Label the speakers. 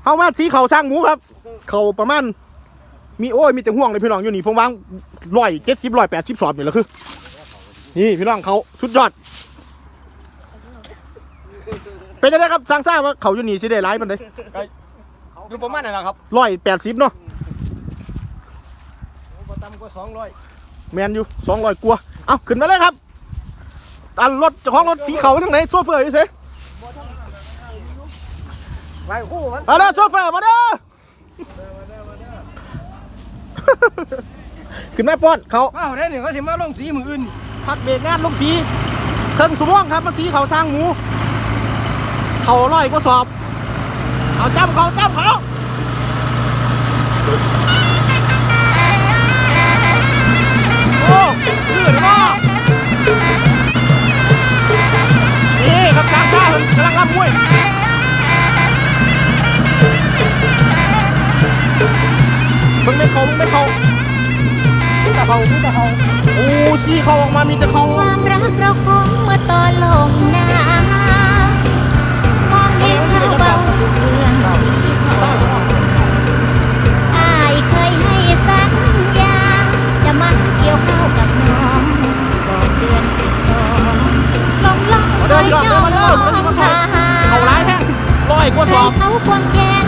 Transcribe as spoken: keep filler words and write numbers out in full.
Speaker 1: เข้ามาสีเขาสร้างหมูครับเขาประมาณมีโอ้ยมีแต่ห่วงเลยพี่น้องอยู่นี่ผมวางร้อยเจ็ดสิบร้อยแปดสิบสอบนี่แหละคือนี่พี่น้องเขาสุดยอดเป็นยังไงครับสร้างทราบว่าเขาอยู่นี่สิได้ร้ายมันเลย
Speaker 2: อยู่ประมาณนั้นนะครับ
Speaker 1: ร้อยแปดสิบเนาะ
Speaker 2: ต่ำกว่าสองร้อย
Speaker 1: แมนอยู่สองร้อยกว่าเอาขึ้นมาเลยครับอันรถเจ้าของรถสีเขาทั้งไหนโซเฟอร์อยู่เซ่
Speaker 2: ไปคู่มัน
Speaker 1: มาเด้อโซเฟอร์มาเด้อขึ้นมาป้อนเขา
Speaker 2: อ้าวได้หนึ่งเขาสิมาลงสีมืออื่น
Speaker 1: พักเบรกงานลงสีเครื่องสมองครับมาสีเขาสร้างหมูเขาร้อยกว่าสอบเอาจ้ำเขาจ้ำเขาโอ้ลื่นมากนี่ครับกลางข้าวกำลังรับมวยมึงไม่เขามึงไม่เขามีแต่เขามีแต่เขาโอ้สีเขาออกมามีแต่เขา
Speaker 3: ความรักเราคงเมื่อตอนลงน้ำมองเห็นเขาเบาเรื่องสีทองอายเคยให้สัญญาจะมาเกี่ยวข้าวกับน้องก่อนเดือนสิบสองลองลองคอยจ้องมองทาง
Speaker 1: เขาร้ายแท้ร้อยกว่าสอบ
Speaker 3: เขาควงแข